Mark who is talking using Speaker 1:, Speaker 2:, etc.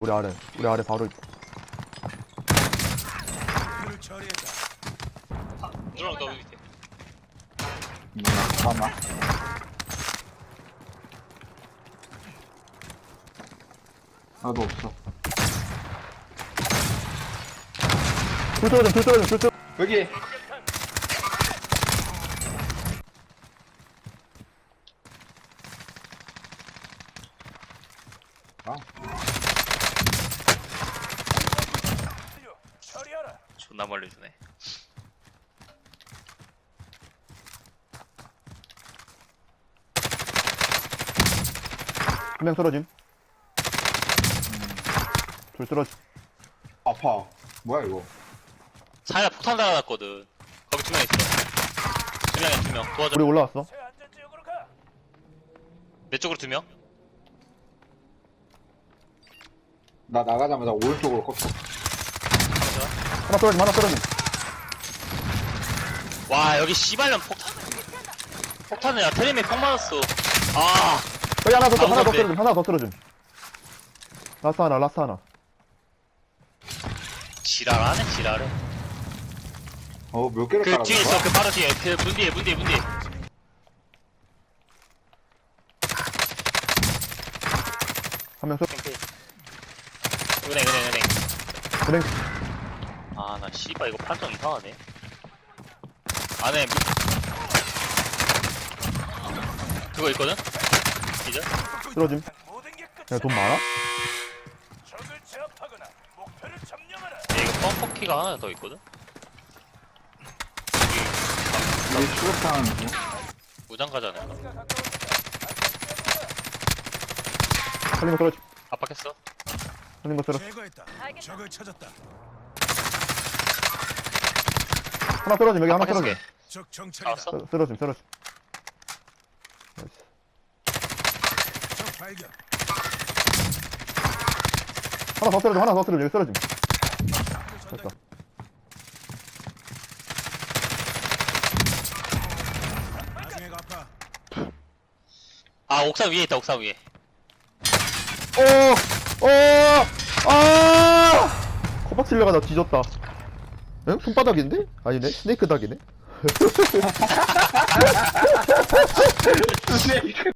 Speaker 1: 우리 아래 바로 있-
Speaker 2: 누나랑 너 밑에.
Speaker 3: 잠깐만. 나도 없어.
Speaker 1: 불 떨어져.
Speaker 3: 여기. 아,
Speaker 2: 존나 멀리 주네.
Speaker 1: 한 명 쓰러짐. 둘 쓰러짐.
Speaker 3: 아파. 뭐야 이거?
Speaker 2: 사이다 폭탄 달아놨거든. 거기 2명 있어. 2명이야 2명. 도와줘.
Speaker 1: 우리 올라왔어.
Speaker 2: 내 쪽으로 2명.
Speaker 3: 나 나가자마자 오른쪽으로 꺾어.
Speaker 1: 하나 쓰러짐.
Speaker 2: 와 여기 씨발년 폭탄을 야 테림에 폭 맞았어. 아
Speaker 1: 여기 하나 더
Speaker 2: 가운데.
Speaker 1: 쓰러짐. 하나 더 쓰러짐. 라스 하나.
Speaker 2: 지랄하네 지랄해.
Speaker 3: 몇 개를
Speaker 2: 그
Speaker 3: 깔아?
Speaker 2: 뒤에 있어 그 바로 뒤에 그 문 뒤에.
Speaker 1: 한 명
Speaker 2: 은행.
Speaker 1: 은행.
Speaker 2: 아 나 씨발 이거 판정 이상하네. 안에 그거 있거든? 기절?
Speaker 1: 쓰러짐. 야, 돈 많아?
Speaker 2: 이거 펌퍼키가 하나 더 있거든?
Speaker 3: 우리 추격당하는 중.
Speaker 2: 무장가지 않을까?
Speaker 1: 살린 거 쓰러짐.
Speaker 2: 압박했어?
Speaker 1: 살린 거 쓰러짐.
Speaker 4: 제거했다. 적을 찾았다.
Speaker 1: 하나 쓰러짐. 여기 하나
Speaker 2: 압박했어
Speaker 1: 쓰러짐.
Speaker 4: 적 정찰이다.
Speaker 2: 알았어?
Speaker 1: 쓰러짐. 나이스.
Speaker 4: 적 발견.
Speaker 1: 하나 더 쓰러짐. 여기 쓰러짐. 됐다.
Speaker 4: 나중에 갚아.
Speaker 2: 아 옥상 위에 있다 옥상 위에.
Speaker 1: 코박 치려가 나 뒤졌다. 응? 손바닥인데? 아니네? 스네이크 닭이네?